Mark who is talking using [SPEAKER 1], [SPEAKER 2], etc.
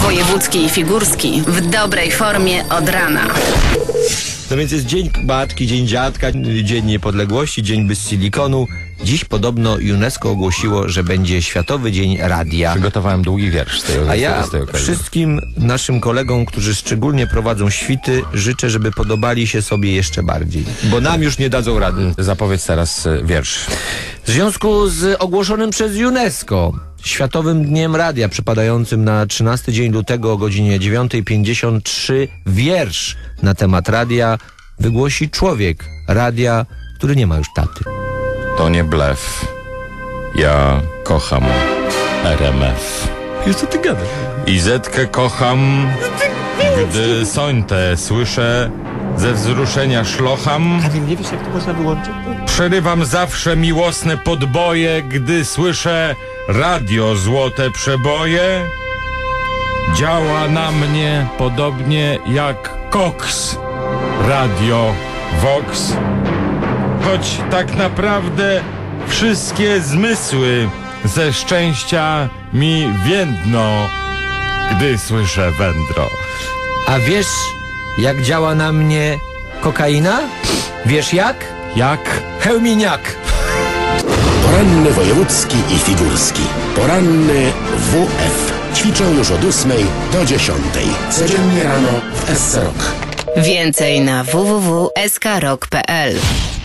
[SPEAKER 1] Wojewódzki i Figurski w dobrej formie od rana.
[SPEAKER 2] No więc jest Dzień Matki, Dzień Dziadka, Dzień Niepodległości, Dzień bez silikonu. Dziś podobno UNESCO ogłosiło, że będzie Światowy Dzień Radia.
[SPEAKER 3] Przygotowałem długi wiersz z tej okazji.
[SPEAKER 2] A ja wszystkim naszym kolegom, którzy szczególnie prowadzą świty, życzę, żeby podobali się sobie jeszcze bardziej. Bo nam już nie dadzą rady.
[SPEAKER 3] Zapowiedz teraz wiersz.
[SPEAKER 2] W związku z ogłoszonym przez UNESCO Światowym Dniem Radia, przypadającym na 13 dzień lutego o godzinie 9:53, wiersz na temat radia wygłosi człowiek radia, który nie ma już taty.
[SPEAKER 3] To nie blef. Ja kocham RMF.
[SPEAKER 2] Już co ty gadasz?
[SPEAKER 3] I Zetkę kocham, gdy sońte słyszę, ze wzruszenia szlocham.
[SPEAKER 2] A nie wiesz, jak to można wyłączyć?
[SPEAKER 3] Przerywam zawsze miłosne podboje, gdy słyszę radio złote przeboje. Działa na mnie podobnie jak koks, radio Vox. Choć tak naprawdę wszystkie zmysły ze szczęścia mi więdną, gdy słyszę wędro.
[SPEAKER 2] A wiesz, jak działa na mnie kokaina? Wiesz jak?
[SPEAKER 3] Jak?
[SPEAKER 2] Chełminiak.
[SPEAKER 4] Poranny wojewódzki i figurski. Poranny WF. Ćwiczą już od 8 do 10. Codziennie rano w SC Rock.
[SPEAKER 1] Więcej na www.skrok.pl.